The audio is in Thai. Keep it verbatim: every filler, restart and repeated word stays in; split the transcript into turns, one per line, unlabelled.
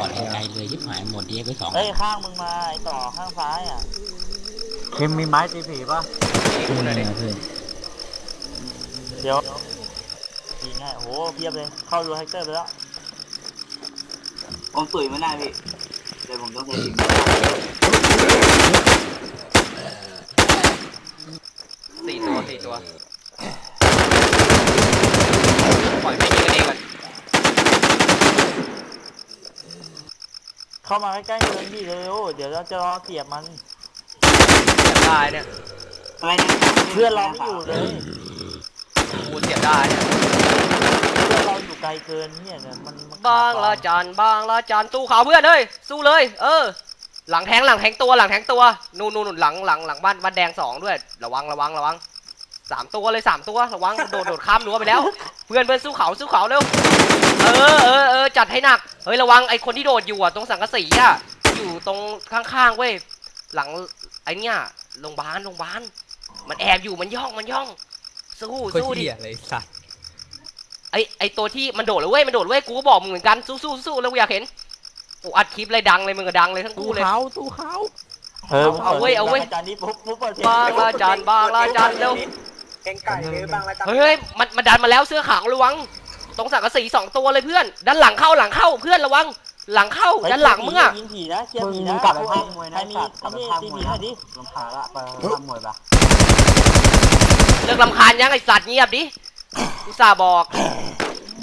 ดไกลๆเลยยิบหายหมดเดียไปสอง
เฮ้ยข้างมึงมาไอ้ต่อข้างซ้ายอ่ะ
คิมมีไม้ตีผีป่ะ
คุณอะไรเพื่อน
เดี๋ยวยิงไงโอ้โหเพียบเลยเข้ารูแฮกเตอร์ไปแล้ว
ผมตุ๋ยไม่ได้พี่เดี๋ยวผมต้องใช้สิ่ง
สี่ตัวสี่ตัวปล่อยไม่ยิงกันเองก่อน
เข้ามาใกล้ๆเมืองดิเร็วเดี๋ยวเราจะรอเสียบมัน
เสียบได้เนี่ย
อะไรนะ
เพื่อนเราไม่อยู่เลย
กูเสียบได้เนี่ย
เพื่อนเราอยู่ไกลเกินเนี่ยเนี่ยมัน
บางละจันบางละจันสู้เขาเพื่อนเฮ้ยสู้เลยเออหลังแทงหลังแทงตัวหลังแทงตัวนู่นนู่นหลังหลังหลังบ้านบ้านแดงสองด้วยระวังระวังระวังสามตัวเลยสามตัวระวังโดดโดดข้ามรั้วไปแล้วเพื่อนเพื่อนสู้เขาสู้เขาเร็วเออเออเออจัดให้หนักเฮ้ยระวังไอ้คนที่โดดอยู่อ่ะตรงสังกะสีอ่ะอยู่ตรงข้างๆเว้ยหลังไอ้เนี่ยโรงพยาบาลโรงพยาบาลมันแอบอยู่มันย่องมันย่องสู้สู้ดิ
อะไรสัตว์
ไอไอตัวที่มันโดดเลยเว้ยมันโดดเว้ยกูก็บอกมึงเหมือนกันสู้สู้สู้แล้วกูอยากเห็นกูอัดคลิปเลยดังเลยมึงก็ดังเลยทั้งคู่เลย
เขาตู้เขา
เออ
เอาเว้ยเอาเว้ย
จานนี้ปุ๊บปุ๊บเปิดเพลง
บางละจันบางละจันเร็ว
แกงไก่เลยบางละจัน
เฮ้ยมันมันดันมาแล้วเสื้อขาวระวังตรงสังกะสีสองตัวเลยเพื่อนด้านหลังเข้าหลังเข้าเพื่อนระวังหลังเข้าด้านหลังมึงอะ
ยิงผีนะเชียร์ผีนะ
กลับไปห้องมวยนะ
ใครมีใครมีตีผีหน่อยดิ
ลงพาละไปห้องมวยปะ
เลิกลำคาญยังไอสัตว์เงียบดิอุตส่าห์บอก